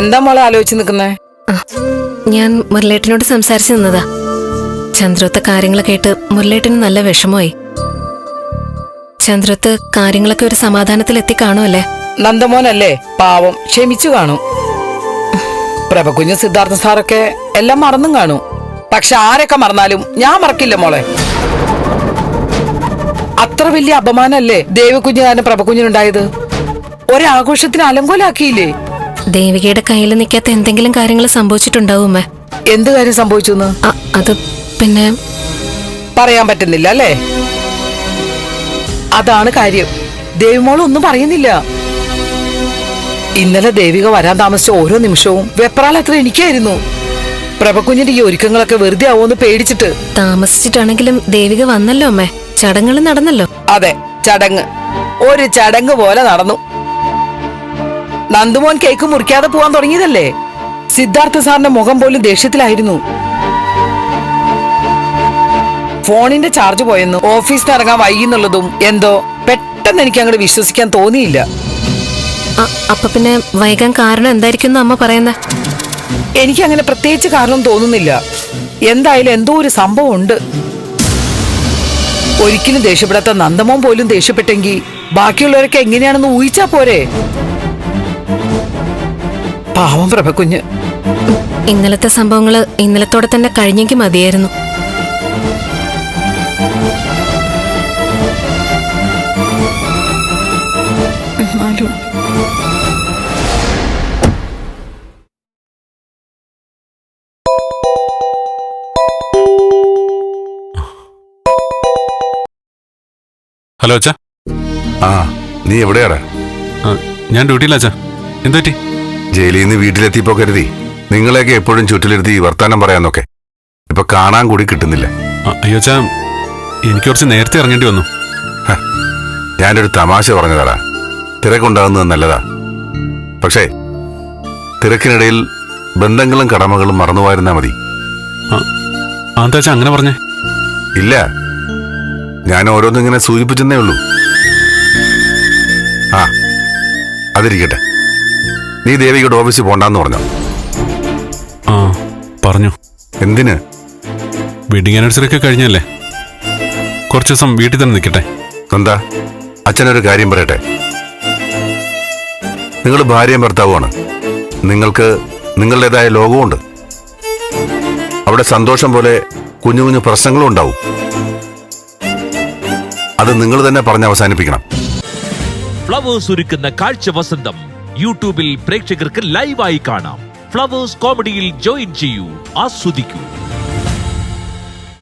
എന്താ മോളെ ആലോചിച്ച് നിൽക്കുന്നേ? ഞാൻ മുരളേട്ടനോട് സംസാരിച്ചു നിന്നതാ. ചന്ദ്രത്തെ കാര്യങ്ങൾ കേട്ട് മുരളേട്ടന് നല്ല വിഷമമായി. ചന്ദ്രത്ത് കാര്യങ്ങളൊക്കെ ഒരു സമാധാനത്തിൽ എത്തിക്കാണുമല്ലേ? നന്ദമോനല്ലേ, പാവം, ക്ഷമിച്ചു കാണും. പ്രഭകുഞ്ഞ് സിദ്ധാർത്ഥ സാറൊക്കെ എല്ലാം മറന്നും കാണും. പക്ഷെ ആരൊക്കെ മറന്നാലും ഞാൻ മറക്കില്ല മോളെ. അത്ര വലിയ അപമാനല്ലേ ദേവകുഞ്ഞ് കാരണം പ്രഭകുഞ്ഞിനുണ്ടായത്? ഒരാഘോഷത്തിന് അലങ്കോലാക്കിയില്ലേ? ദേവികയുടെ കയ്യിൽ നിൽക്കാത്ത എന്തെങ്കിലും കാര്യങ്ങൾ സംഭവിച്ചിട്ടുണ്ടാവും. എന്ത് കാര്യം സംഭവിച്ചു? അത് പിന്നെ പറയാൻ പറ്റുന്നില്ല അല്ലേ? അതാണ് കാര്യം. ദേവിമോൾ ഒന്നും പറയുന്നില്ല. ഇന്നലെ ദേവിക വരാൻ താമസിച്ച ഓരോ നിമിഷവും വെപ്രാളത്ര എനിക്കായിരുന്നു. പ്രഭകുഞ്ഞിന്റെ ഈ ഒരുക്കങ്ങളൊക്കെ വെറുതെ ആവോന്ന് പേടിച്ചിട്ട്. താമസിച്ചിട്ടാണെങ്കിലും ദേവിക വന്നല്ലോ അമ്മേ, ചടങ്ങുകൾ നടന്നല്ലോ. അതെ, ചടങ്ങ് ഒരു ചടങ്ങ് പോലെ നടന്നു. നന്ദുമോൻ കേക്ക് മുറിക്കാതെ പോവാൻ തുടങ്ങിയതല്ലേ? സിദ്ധാർത്ഥ സാറിന്റെ മുഖം പോലും ദേഷ്യത്തിലായിരുന്നു. ഫോണിന്റെ ചാർജ് പോയെന്നും ഓഫീസിൽ ഇറങ്ങാൻ വൈകുന്നുള്ളതും എന്തോ പെട്ടെന്ന് എനിക്ക് അങ്ങോട്ട് വിശ്വസിക്കാൻ തോന്നിയില്ല. അപ്പൊ പിന്നെ വൈകാൻ കാരണം എന്തായിരിക്കും അമ്മ പറയുന്നത്? എനിക്ക് അങ്ങനെ പ്രത്യേകിച്ച് കാരണം തോന്നുന്നില്ല. എന്തായാലും എന്തോ ഒരു സംഭവം ഉണ്ട്. ഒരിക്കലും ദേഷ്യപ്പെടാത്ത നന്ദമോൻ പോലും ദേഷ്യപ്പെട്ടെങ്കിൽ ബാക്കിയുള്ളവരൊക്കെ എങ്ങനെയാണെന്ന് ഊഹിച്ചാ പോരെ? പാവം പ്രഭകുഞ്ഞ്. ഇന്നലത്തെ സംഭവങ്ങള് ഇന്നലത്തോടെ തന്നെ കഴിഞ്ഞെങ്കിൽ മതിയായിരുന്നു. ഹലോ അച്ഛാ. നീ എവിടെയാടാ? ഞാൻ ഡ്യൂട്ടിയില്ല അച്ഛാ. എന്തു പറ്റി? ജയിലിൽ നിന്ന് വീട്ടിലെത്തിയപ്പോ കരുതി നിങ്ങളെയൊക്കെ എപ്പോഴും ചുറ്റിലിരുത്തി വർത്താനം പറയാന്നൊക്കെ. ഇപ്പൊ കാണാൻ കൂടി കിട്ടുന്നില്ല. അയ്യോ അച്ഛാ, എനിക്ക് കുറച്ച് നേരത്തെ ഇറങ്ങേണ്ടി വന്നു. ഞാനൊരു തമാശ പറഞ്ഞതാടാ. തിരക്കുണ്ടാകുന്നത് നല്ലതാ. പക്ഷേ തിരക്കിനിടയിൽ ബന്ധങ്ങളും കടമകളും മറന്നുപോയിരുന്നാ മതി. എന്താ അച്ഛാ അങ്ങനെ പറഞ്ഞേ? ഇല്ല, ഞാൻ ഓരോന്നിങ്ങനെ സൂചിപ്പിച്ചെന്നേ ഉള്ളൂ. അതിരിക്കട്ടെ, നീ ദേവികയുടെ ഓഫീസിൽ പോണ്ടെന്ന് പറഞ്ഞോ? പറഞ്ഞു. എന്തിന്? വെഡിങ് ആനിവേഴ്സറി ഒക്കെ കഴിഞ്ഞല്ലേ, കുറച്ച് ദിവസം വീട്ടിൽ തന്നെ നിൽക്കട്ടെ. എന്താ? അച്ഛനൊരു കാര്യം പറയട്ടെ. നിങ്ങൾ ഭാര്യയും ഭർത്താവുമാണ്. നിങ്ങൾക്ക് നിങ്ങളുടേതായ ലോകമുണ്ട്. അവിടെ സന്തോഷം പോലെ കുഞ്ഞു കുഞ്ഞു പ്രശ്നങ്ങളും ഉണ്ടാവും. അത് നിങ്ങൾ തന്നെ പറഞ്ഞ് അവസാനിപ്പിക്കണം. ഫ്ലവേഴ്സ് ഒരുക്കുന്ന കാഴ്ച വസന്തം യൂട്യൂബിൽ പ്രേക്ഷകർക്ക് ലൈവായി കാണാം. ഫ്ലവേഴ്സ് കോമഡിയിൽ ജോയിൻ ചെയ്യൂ, ആസ്വദിക്കൂ.